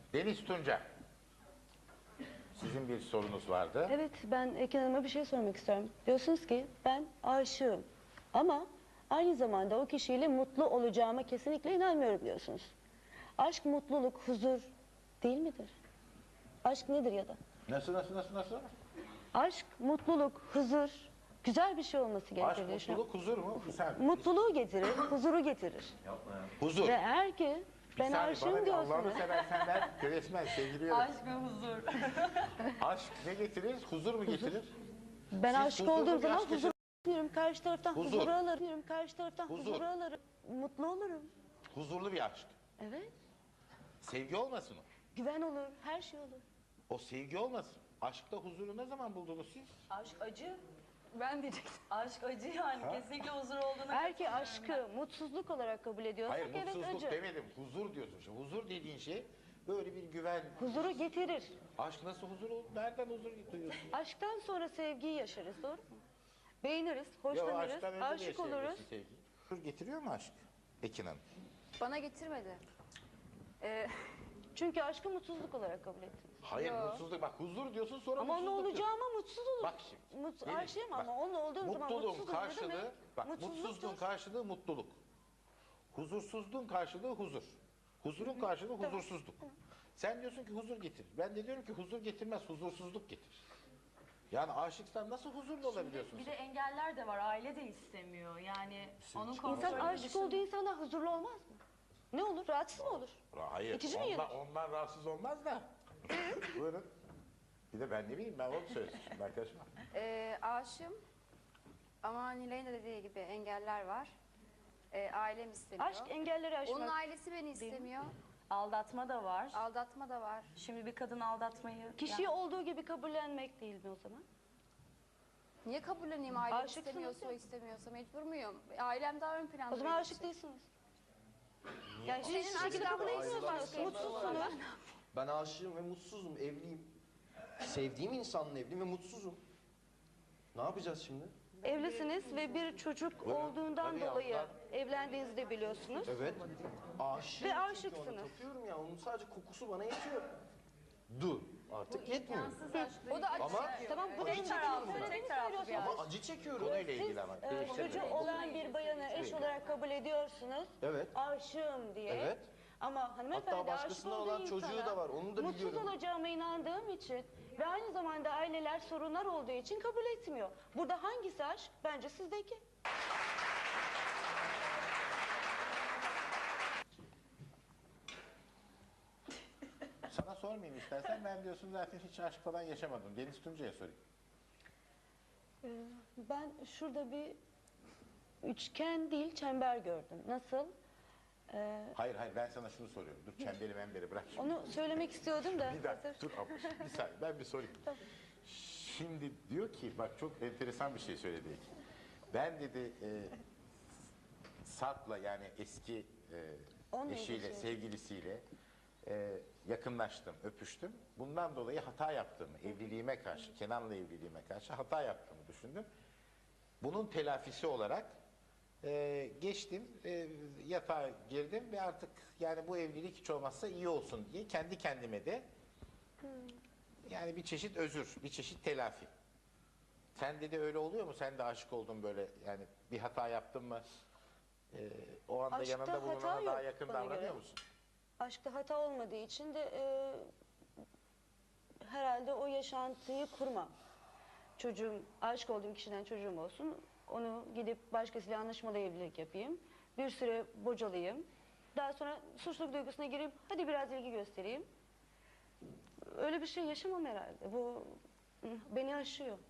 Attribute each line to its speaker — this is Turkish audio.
Speaker 1: Deniz Tunca, sizin bir sorunuz vardı.
Speaker 2: Evet, ben Ekin Hanım'a bir şey sormak istiyorum. Diyorsunuz ki ben aşığım ama aynı zamanda o kişiyle mutlu olacağıma kesinlikle inanmıyorum diyorsunuz. Aşk, mutluluk, huzur değil midir? Aşk nedir ya da?
Speaker 1: Nasıl?
Speaker 2: Aşk, mutluluk, huzur güzel bir şey olması gerekir
Speaker 1: Aşk,
Speaker 2: diye düşünüyorum.
Speaker 1: mutluluk, huzur mu? Güzel.
Speaker 2: Mutluluğu getirir, huzuru getirir.
Speaker 1: Huzur.
Speaker 2: Ve eğer ki ben aşığım diyorsunuz.
Speaker 1: Allah'ını seversen ben resmen sevgiliyorum.
Speaker 3: Aşk ve huzur.
Speaker 1: Aşk ne getirir? Huzur mu getirir?
Speaker 2: Ben
Speaker 1: Siz
Speaker 2: aşık
Speaker 1: huzurlu
Speaker 2: olduğum
Speaker 1: bir
Speaker 2: zaman
Speaker 1: aşk
Speaker 2: huzur alırım. Karşı taraftan
Speaker 1: Huzur.
Speaker 2: huzuru alırım. Karşı taraftan
Speaker 1: Huzur.
Speaker 2: huzuru alırım. Mutlu olurum.
Speaker 1: Huzurlu bir aşk.
Speaker 2: Evet.
Speaker 1: Sevgi olmasın o.
Speaker 2: Güven olur. Her şey olur.
Speaker 1: O sevgi olmasın. Aşkta huzuru ne zaman buldunuz siz?
Speaker 3: Aşk acı.
Speaker 2: Ben diyecektim.
Speaker 3: Aşk acı yani. Kesinlikle huzur olduğunu
Speaker 2: Eğer ki aşkı mutsuzluk olarak kabul ediyorsak
Speaker 1: Hayır,
Speaker 2: evet
Speaker 1: mutsuzluk
Speaker 2: acı.
Speaker 1: demedim. Huzur diyorsun. Şimdi huzur dediğin şey böyle bir güven.
Speaker 2: Huzuru getirir.
Speaker 1: Aşk nasıl huzur olur? Nereden huzur duyuyorsun?
Speaker 2: Aşktan sonra sevgiyi yaşarız, doğru mu? Beğeniriz,
Speaker 1: Ya o
Speaker 2: hoşlanırız,
Speaker 1: aşktan önce de
Speaker 2: aşık oluruz.
Speaker 1: yaşayabilirsin sevgiyi. Huzur getiriyor mu aşk? Ekin Hanım.
Speaker 4: Bana getirmedi.
Speaker 2: Çünkü aşkı mutsuzluk olarak kabul ettiniz.
Speaker 1: Hayır, mutsuzluk. Bak huzur diyorsun sonra
Speaker 2: Ama ne
Speaker 1: mutsuzluk diyorsun.
Speaker 2: olacağıma mutsuz olur.
Speaker 1: Bak şimdi. Deniz,
Speaker 2: Aşığım
Speaker 1: bak,
Speaker 2: ama onun olduğum zaman
Speaker 1: mutluluğun
Speaker 2: mutsuzum. Ne
Speaker 1: karşılığı,
Speaker 2: demek?
Speaker 1: bak
Speaker 2: Mutsuzluktur.
Speaker 1: mutsuzluğun karşılığı mutluluk. Huzursuzluğun karşılığı huzur. Huzurun karşılığı huzursuzluk. Sen diyorsun ki huzur getir. Ben de diyorum ki huzur getirmez, huzursuzluk getirir. Yani aşıksan nasıl huzurlu olabiliyorsun
Speaker 3: Bir
Speaker 1: sen?
Speaker 3: de engeller de var. Aile de istemiyor. Yani onun
Speaker 2: İnsan
Speaker 3: kontrolü
Speaker 2: aşık
Speaker 3: dışında.
Speaker 2: olduğu insanlar huzurlu olmaz mı? Ne olur? Rahatsız mı olur?
Speaker 1: Hayır,
Speaker 2: İtici mi
Speaker 1: ondan rahatsız olmaz da. Buyurun. Bir de ben ne bileyim, ben onu söyledim şimdi arkadaşıma.
Speaker 4: Aşığım ama Nilay'ın da dediği gibi engeller var. Ailem istemiyor.
Speaker 2: Aşk engelleri aşmak.
Speaker 4: Onun ailesi beni istemiyor.
Speaker 3: Aldatma da var.
Speaker 4: Aldatma da var.
Speaker 3: Şimdi bir kadın aldatmayı...
Speaker 2: Kişiyi olduğu gibi kabullenmek değil mi o zaman?
Speaker 4: Niye kabulleneyim ailem
Speaker 2: Aşıksınız
Speaker 4: istemiyorsa
Speaker 2: ya.
Speaker 4: o istemiyorsa mecbur muyum? Ailem daha ön planda.
Speaker 2: O zaman
Speaker 4: benim
Speaker 2: aşık
Speaker 4: için.
Speaker 2: değilsiniz. Yani
Speaker 4: Senin
Speaker 2: hiçbir şekilde
Speaker 4: aşktan
Speaker 2: kabul etmiyorsunuz.
Speaker 4: mutsuzsun.
Speaker 2: Mutsuzsunuz.
Speaker 5: Ben aşığım ve mutsuzum, evliyim. Sevdiğim insanla evliyim ve mutsuzum. Ne yapacağız şimdi?
Speaker 2: Evlisiniz ve bir çocuk olduğundan
Speaker 1: Hadi
Speaker 2: dolayı
Speaker 1: yavrular.
Speaker 2: evlendiğinizi de biliyorsunuz.
Speaker 5: Evet. Aşığım.
Speaker 2: Ve
Speaker 5: çünkü
Speaker 2: aşıksınız.
Speaker 5: Onu tapıyorum ya, onun sadece kokusu bana yetiyor. Dur, artık yetmiyor.
Speaker 4: O da acı
Speaker 5: Ama-
Speaker 4: çekiyor.
Speaker 2: Tamam bu
Speaker 3: Tek
Speaker 2: en
Speaker 3: taraflı,
Speaker 2: söylediğini
Speaker 3: tek taraflı bir
Speaker 2: söylüyorsunuz.
Speaker 5: Ama acı çekiyorum.
Speaker 1: Konuyla ilgili ama.
Speaker 2: Siz
Speaker 1: değiştirmeyin.
Speaker 2: çocuğu olan bir bayanı eş olarak kabul ediyorsunuz.
Speaker 5: Evet.
Speaker 2: Aşığım diye.
Speaker 5: Evet.
Speaker 2: Ama hanımefendi
Speaker 5: Hatta
Speaker 2: aşık
Speaker 5: başkasına
Speaker 2: olduğu
Speaker 5: olan çocuğu
Speaker 2: insana
Speaker 5: da var, onu da
Speaker 2: mutsuz
Speaker 5: biliyorum.
Speaker 2: olacağıma inandığım için ve aynı zamanda aileler sorunlar olduğu için kabul etmiyor. Burada hangisi aşk? Bence sizdeki.
Speaker 1: Sana sormayayım istersen, ben diyorsun zaten hiç aşk falan yaşamadım. Deniz Tunca'ya sorayım.
Speaker 2: Ben şurada bir üçgen değil çember gördüm. Nasıl?
Speaker 1: Hayır ben sana şunu soruyorum. Dur çemberi memberi bırak şimdi.
Speaker 2: Onu söylemek istiyordum da.
Speaker 1: Bir dakika
Speaker 2: hazır.
Speaker 1: dur abla, bir saniye ben bir sorayım. Şimdi diyor ki bak çok enteresan bir şey söyledi. Ben dedi Sarp'la yani eski
Speaker 2: Onunla
Speaker 1: eşiyle,
Speaker 2: ilgili şey.
Speaker 1: sevgilisiyle yakınlaştım, öpüştüm. Bundan dolayı hata yaptığımı, evliliğime karşı, Kenan'la evliliğime karşı hata yaptığımı düşündüm. Bunun telafisi olarak geçtim, yatağa girdim ve artık yani bu evlilik hiç olmazsa iyi olsun diye kendi kendime de yani bir çeşit özür, bir çeşit telafi. Sen de öyle oluyor mu? Sen de aşık oldun böyle yani bir hata yaptın mı? O anda
Speaker 2: Aşkta
Speaker 1: yanında
Speaker 2: hata
Speaker 1: bulunana daha
Speaker 2: yok
Speaker 1: yakın
Speaker 2: bana
Speaker 1: davranıyor
Speaker 2: göre.
Speaker 1: musun?
Speaker 2: Aşkta hata olmadığı için de herhalde o yaşantıyı kurmam. Çocuğum, aşık olduğum kişiden çocuğum olsun. Onu gidip başkasıyla anlaşmalı evlilik yapayım. Bir süre bocalayayım. Daha sonra suçluluk duygusuna gireyim. Hadi biraz ilgi göstereyim. Öyle bir şey yaşamam herhalde. Bu beni aşıyor.